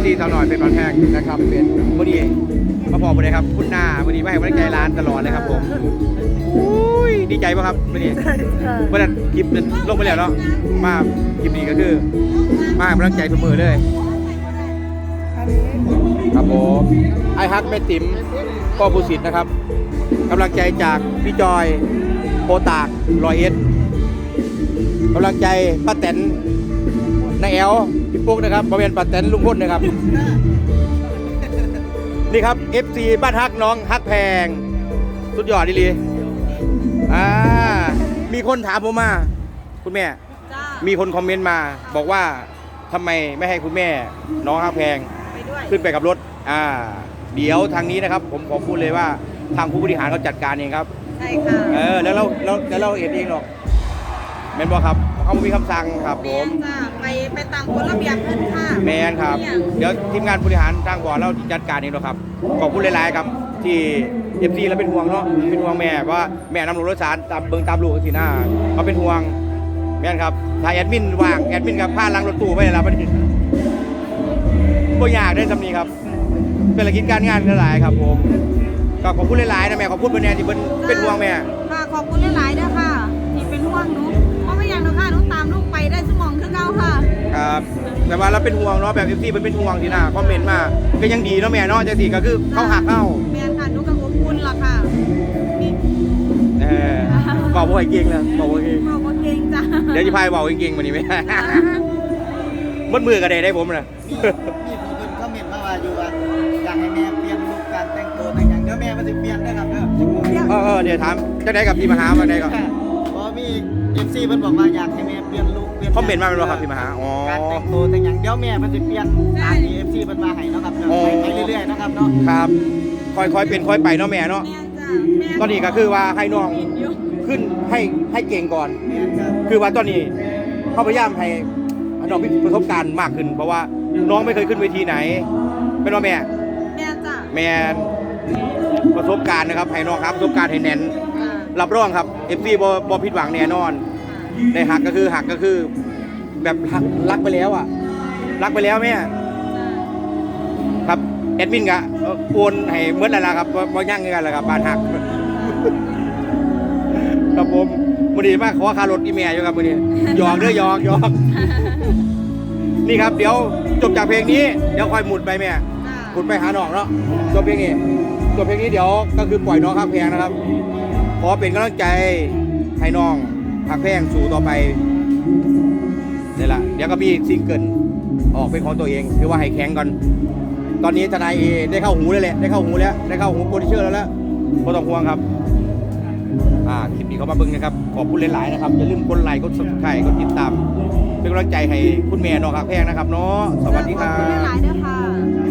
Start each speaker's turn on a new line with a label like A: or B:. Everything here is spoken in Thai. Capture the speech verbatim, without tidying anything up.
A: ซีสาวหน่อยเป็นตอนแรกนะครับเป็นวันนี้มาพอวันนี้ครับคุณหน้าวันนี้มาให้กำลังใจร้านตลอดเลยครับผมอุ้ยดีใจป่ะครับวันนี้เมื่อนั้นคลิปลงไปแล้วเนาะมาคลิปนี้ก็คือมาให้กำลังใจทุกมือเลยครับผมไอฮักแม่ติ๋มก็ผู้สิทธิ์นะครับกำลังใจจากพี่จอยโพตากรอยเอสกำลังใจป้าแตนนายแอลพี่ปุ๊กนะครับบริเวณป้าแตนลุงพ้นนะครับนี่ครับ เอฟ ซี บ้านฮักน้องฮักแพงสุดยอดดีเลยอ่ามีคนถามผมมาคุณแม่มีคนคอมเมนต์มาบอกว่าทำไมไม่ให้คุณแม่น้องฮักแพงขึ้นไปกับรถอ่าเดี๋ยวทางนี้นะครับผมขอพูดเลยว่าทางผู้บริหารเขาจัดการเองครับ
B: ใช่ค่ะ
A: เออแล้วเราเราแล้วเราเห็นเองหรอกแมนบอกครับเขามีคำสั่งครับผม
B: ไปไปตามกฎระเบียบขึ้นค่ะ
A: แมนครับเดี๋ยวทีมงานบริหารทางบ่อเราจัดการเองหรอกครับขอบคุณหลายๆครับที่เอฟซีเราเป็นห่วงเนาะเป็นห่วงแม่ว่าแม่นำรถโดยสารตามเบิ้งตามลูกสิหน้าเขาเป็นห่วงแม่นครับถ้าแอดมินว่างแอดมินกับผ้าล้างรถตู้ไปแล้วมันก็ยากได้สำนีครับเป็นกิจการงานหลายๆครับผมก็ขอบคุณหลายๆนะแม่ขอบคุณเป็นแนวที่เป็นเป็นห่วงแม่
B: ค่ะขอบคุณหลายๆด้วยค่ะที่เป็นห่วงหนูเพราะไม่อย่างหนูค่ะหนูตามลูกไปได้สมองคือเก่าค่ะ
A: ครับแต่ว่าเราเป็นห่วงเนาะแบบเอฟซีเป็นเป็นห่วงทีน่ะคอมเมนต์มาก็ยังดีเนาะแม่เนาะจังสิก็คือเข้าหักเข้า
B: แม่ค่ะหนูกับอบอุ่นล่ะค่ะ
A: เออบอกว่าเก่งเลยบอกว่าเก่ง
B: บอกว่าเก่งจ้ะ
A: เดี๋ยวจะพายบอกเก่งวันนี้ไหมมัดมือกันได้ได้ผมนะ
C: มีมีผู้คนคอมเมนต์มาว่าอยู่ว่าอยากให้แม่เปลี่ยนลุคการแต่งตัวแต่งอย่างเดี๋ยวแม่มันจะเปลี่ยนนะครับเด้อ
A: เออเออเดี๋ยวถามจะได้กับพี่มหามาได้ก่อน
C: เพราะมีเอฟซีเพิ่นบอกว่าอยากให้แม่เปลี่ยนลุคเปลี่ยน
A: คอมเมนต์มาเป็นว่าครับพี่มหาอ๋อ
C: การแต่งตัวแต่งอย่างเดี๋ยวแม่มันจะเปลี่ยนตามที่เอฟซีเพิ่นมาให้นะครับไปเรื่อยๆนะครับเนาะ
A: ครับค่อยๆเป็นค่อยไปเนาะแม่เนาะตอนนี้ก็คือว่าให้น้องขึ้นให้ให้เก่งก่อนคือว่าตอนนี้เขาพยายามให้น้องมีประสบการณ์มากขึ้นเพราะว่าน้องไม่เคยขึ้นเวทีไหนเป็นว่าแม่
B: แม่จ้ะ
A: แม่ประสบการณ์นะครับให้น้องครับประสบการณ์ให้แน่นรับรองครับเอฟซีบอบอผิดหวังแน่นอนในหักก็คือหักก็คือแบบรักไปแล้วอ่ะรักไปแล้วแม่ครับแอดมินกะโอนให้เมื่อไรล่ะครับบ่ยั่งกันเลยครับบ้านหักครับผมวันนี้มาขอคารถอีเมลอยู่ครับวันนี้หยอกเด้อหยอกหยอกนี่ครับเดี๋ยวจบจากเพลงนี้เดี๋ยวคอยหมุดไปแม่หมุดไปหาน้องเนาะจบเพลงนี้จบเพลงนี้เดี๋ยวก็คือปล่อยน้องฮักแพงนะครับขอเป็นกำลังใจให้น้องฮักแพงสู่ต่อไปนี่แหละเดี๋ยวก็มีซิงเกิลออกเป็นของตัวเองคือว่าให้แข็งก่อนตอนนี้ทนายเอได้เข้าหูเลยแหละได้เข้าหูแล้วได้เข้าหูโปรดิวเซอร์แล้วแล้วไม่ต้องห่วงครับอ่าคลิปนี้เขามาเบิ่งนะครับขอบคุณหลายๆนะครับอย่าลืมกดไลค์กดซับสไครต์กดติดตามเป็นกำลังใจให้คุณแม่น้องฮักแพงนะครับเนาะสวัสดีครับ
B: ขอบคุณหลายๆด้วยค่ะ